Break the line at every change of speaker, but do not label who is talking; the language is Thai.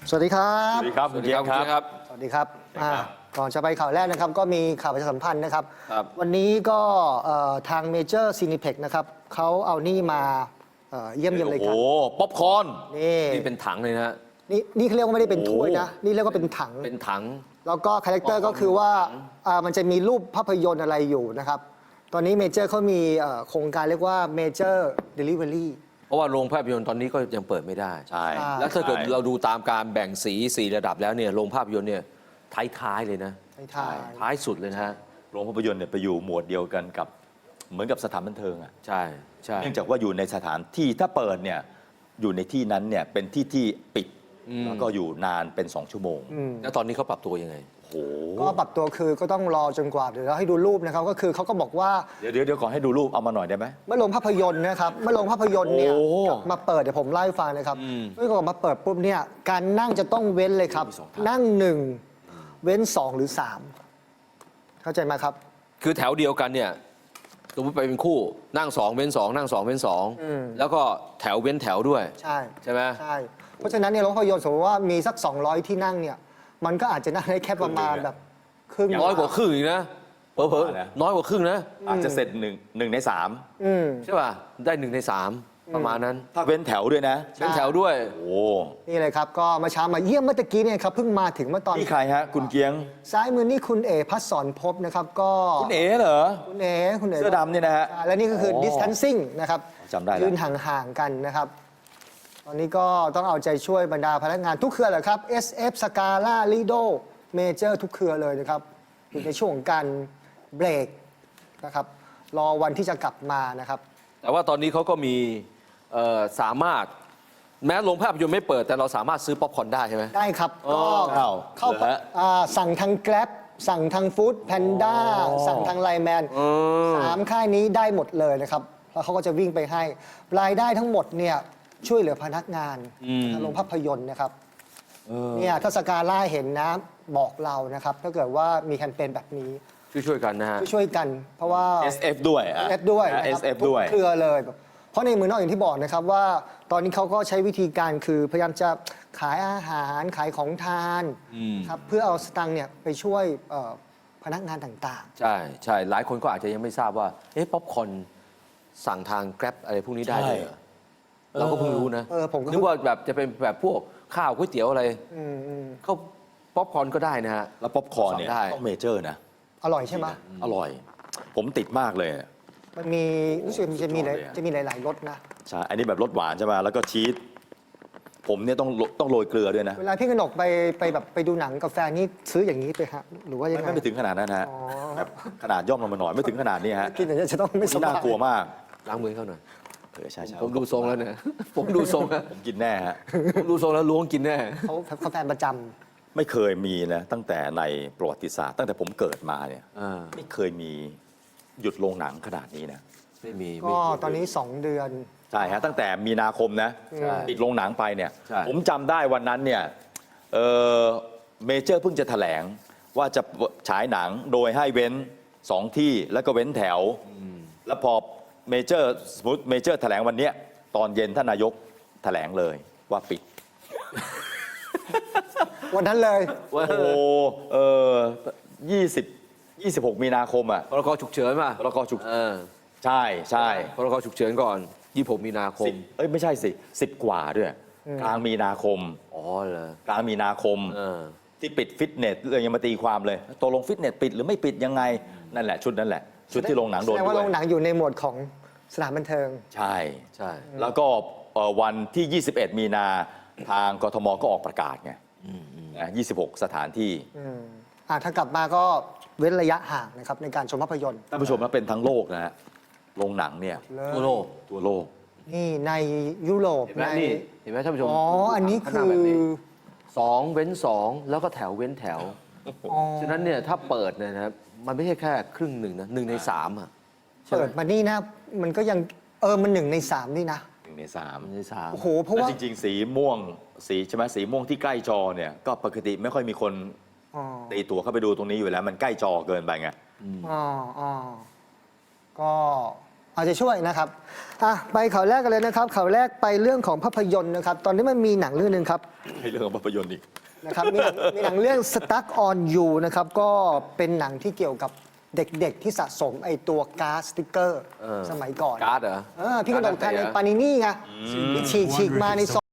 สวัสดีครับ
สวัสดีครับคุณเกียรติครับ
สวัสดีครับก่อนจะไปข่าวแรกนะครับก็มีข่าวประชาสัมพันธ์นะครับ วันนี้ก็ทางเมเจอร์ซีนิเพ็กนะครับเขาเอานี่มาเยี่ยมเลยครับ
โอ้โหป๊อปคอร์น
นี่เป็นถังเลยนะ
นี่เขาเรียกว่าไม่ได้เป็นถ้วยนะนี่เรียกว่าเป็นถัง
เป็นถัง
แล้วก็คาแรคเตอร์ก็คือว่ามันจะมีรูปภาพยนตร์อะไรอยู่นะครับตอนนี้เมเจอร์เขามีโครงการเรียกว่าเมเจอร์เดลิเวอรี่
เพราะว่าโรงภาพยนตร์ตอนนี้ก็ยังเปิดไม่ได้
ใช่
แล้วถ้าเกิดเราดูตามการแบ่งสีระดับแล้วเนี่ยโรงภาพยนตร์เนี่ยท้ายๆเลยนะ ท้ายสุดเลยนะฮะ
โรงภาพยนตร์เนี่ยไปอยู่หมวดเดียวกันกับเหมือนกับสถานบันเทิงอ่ะ
ใช่ใช่
เนื่องจากว่าอยู่ในสถานที่ถ้าเปิดเนี่ยอยู่ในที่นั้นเนี่ยเป็นที่ที่ปิดแล้วก็อยู่นานเป็น2 ชั่วโมง
แล้วตอนนี้เขาปรับตัวยังไง
โอ้โห
ก็ปรับตัวคือก็ต้องรอจนกว่าเดี๋ยวเราให้ดูรูปนะครับก็คือเขาก็บอกว่า
เดี๋ยวขอให้ดูรูปเอามาหน่อยได้ไหม
เมื่อโรงภาพยนตร์นะครับเมื่อโรงภาพยนตร์เนี่ย
โอ้
กลับมาเปิดเดี๋ยวผมไล่าให้ฟังนะครับเมื่อกลับมาเปิดปุ๊บเนี่ยการนั่งจะต้องเว้นเลยครับ นั่ง1เว้น2หรือ3เข้าใจไหมครับ
คือแถวเดียวกันเนี่ยสมมติไปเป็นคู่นั่ง2เว้น2นั่ง2เว้น2แล้วก็แถวเว้นแถวด้วย
ใช่
ไหม
ใช่เพราะฉะนั้นเนี่ยโรงภาพยนตร์สมมติว่ามีสัก200ที่นั่งเนี่ยมันก็อาจจะนั่งได้แค่ประมาณแบบครึ่ง
น้อยกว่าครึ่งอีกนะเผลอๆน้อยกว่าครึ่งนะ
อาจจะเสร็จ1 ใน 3
ใช่ป่ะได้1 ใน 3ประมาณนั้น
ถ้าเว้นแถวด้วยนะ
เว้นแถวด้วย
โอ้
นี่เลยครับก็มาเช้ามาเยี่ยมเมื่อตะกี้เนี่ยครับเพิ่งมาถึงเมื่อตอน
นี่ใครฮะคุณเกียง
ซ้ายมือนี่คุณเอพัฒสอนภพนะครับก็
คุณเอ๋เหรอ
คุณเอ
เสื้อดำนี่นะฮะ
ใช่และนี่ก็คือ distancing นะครับ
จำได้แล้ว
ยืนห่างๆกันนะครับ ตอนนี้ก็ต้องเอาใจช่วยบรรดาพนักงานทุกเครือแหละครับ SF Scala Lido Major ทุกเครือเลยนะครับอยู่ในช่วงของการเบรกนะครับรอวันที่จะกลับมานะครับ
แต่ว่าตอนนี้เขาก็มีสามารถแม้โรงภาพยนตร์ไม่เปิดแต่เราสามารถซื้อป๊อปคอร์นได้ใช่ไหม
ได้ครับ
อ๋อ
ก็เข้า
เหรอฮะ
สั่งทาง Grab สั่งทาง Food Panda สั่งทางไลน์แมน3 ค่ายนี้ได้หมดเลยนะครับ แล้วเขาก็จะวิ่งไปให้ รายได้ทั้งหมดเนี่ยช่วยเหลือพนักงานโรงภาพยนตร์นะครับเนี่ยถ้าสกาล่าเห็นนะบอกเรานะครับ ถ้าเกิดว่ามีแคมเปญแบบนี้
ช่วยกันนะฮะ
ช่วยกัน เพราะว่า
SF ด้วยอ่ะ
SF ด้วยนะครับ
SF
ทุก
ด้วย
เครือเลยแบบเพราะในเมืองนอกอย่างที่บอกนะครับว่าตอนนี้เขาก็ใช้วิธีการคือพยายามจะขายอาหารขายของทานครับเพื่อเอาสตังค์เนี่ยไปช่วยพนักงานต่าง
ใช่ใช่หลายคนก็อาจจะยังไม่ทราบว่าป๊อปคอร์นสั่งทาง Grab อะไรพวกนี้ได้เลยเหรอเราก็เพิ่งรู้นะ
ผมก็
นึกว่าแบบจะเป็นแบบพวกข้าวก๋วยเตี๋ยวอะไรเขาป๊อปคอร์นก็ได้นะฮะ
แล้วป๊อปคอร์นเนี่ย
ได้
ต้องเมเจอร์นะ
ๆ อร่อยใช่ไหม
อร่อย ผมติดมากเลย
มันมีรู้สึกมันจะมีหลาย
สุดยอดเลยอะ
จะมีหลาย ๆรสนะ
ใช่ อันนี้แบบรสหวานใช่ไหมแล้วก็ชีส ผมเนี่ยต้องโรยเกลือด้วยนะ
เวลาพี่กนกไปแบบไปดูหนังกับแฟนนี่ซื้ออย่างนี้ไปฮะหรือว่ายังไง
ไม่ถึงขนาดนั้นฮะ
อ๋อ
แบบขนาดย่อมลงมาหน่อยไม่ถึงขนาดนี้ฮะ
กินอย่างนี้จะต้องไม่ส
นี่
บา
น่าย กลัวมาก
ล้างมือเขาหน่อย
ใช่ใช่
ผมดูทรงแล้วเนี่ย ผมดูทรงแล้ว
ผมกินแน่ฮะ
ผมดูทรงแล้วล้วงกินแน่
เขาแฟนประจำ
ไม่เคยมีนะตั้งแต่ในประวัติศาสตร์ตั้งแต่ผมเกิดมาเนี่ย
อ่า
ไม่เคยมีหยุดโรงหนังขนาดนี้นะ
ไม่มี
ก็ตอนนี้ 2 เดือน
ใช่ฮะตั้งแต่มีนาคมนะ
ใช่
ปิดโรงหนังไปเนี่ย
ใช่
ผมจำได้วันนั้นเนี่ยเมเจอร์เพิ่งจะแถลงว่าจะฉายหนังโดยให้เว้น2 ที่แล้วก็เว้นแถว แล้วพอเมเจอร์สมมติเมเจอร์แถลงวันเนี้ยตอนเย็นท่านนายกแถลงเลยว่าปิด
วันนั้นเลย
โอ้โห26 มีนาคมอ่ะ
พรกฉุกเฉินป่ะ
พรกฉุก
เออ
ใช่ใช่
พรกฉุกเฉินก่อน26 มีนาคม
ไม่ใช่สิ10 กว่าด้วย กลางมีนาคม
อ๋อเหรอก
ลางมีนาคม
เออ
ที่ปิดฟิตเนสเลยยังมาตีความเลยตกลงฟิตเนสปิดหรือไม่ปิดยังไง นั่นแหละชุดนั้นแหละ ชุดที่โรงหนังโด
แส
น
ดงว่า
ด้
โร
วย
งหนังอยู่ในหมวดของสถานบันเทิง
ใช่
ใช่
แล้วก็วันที่ 21 มีนาทางกทมก็ออกประกาศไง26 สถานที่
ถ้ากลับมาก็เว้นระยะห่างนะครับในการชมภาพยนตร์
ท่านผู้ชมนะเป็นทั้งโลกนะฮะโรงหนังเนี่ย
ทั่วโลก
ทั่วโลก
นี่ในยุโรป
เห็นไหม
ใน
นี่เห็นไหมท่านผู้ชม
อ๋ออันนี้
ข้างห
คื
น้า
อ
แบบนี้2 เว้น 2 แล้วก็แถวเว้นแถว
อ๋อ
ฉะนั้นเนี่ยถ้าเปิดเนี่ยนะครับมันไม่ใช่แค่ครึ่งหนึ่งนะ1 ใน 3อ่ะ
เปิดมานี่นะมันก็ยังมัน1 ใน 3นี่นะ
1 ใน
1 ใน 3
โอ้โหเพราะ
แล้ว
ว่า
จริงๆ สีม่วงสีใช่ไหมสีม่วงที่ใกล้จอเนี่ยก็ปกติไม่ค่อยมีคน
อ๋อ
ตีตัวเข้าไปดูตรงนี้อยู่แล้ว มันใกล้จอเกินไปไง
อ๋อก็เอาใจช่วยนะครับไปข่าวแรกกันเลยนะครับข่าวแรกไปเรื่องของภาพยนตร์นะครับ ตอนนี้มันมีหนังเรื่องหนึงครับ
ให้เรื่องของภาพยนตร์อีก
นะครับมีหนังเรื่อง Stuck on You นะครับ ก็เป็นหนังที่เกี่ยวกับเด็กๆที่สะสมไอตัวการ์ดสติ๊กเกอร์สมัยก่อน
การ์ดเหรอ
พี่กระดกทันในปานินี่ไงฉีกมาในซอง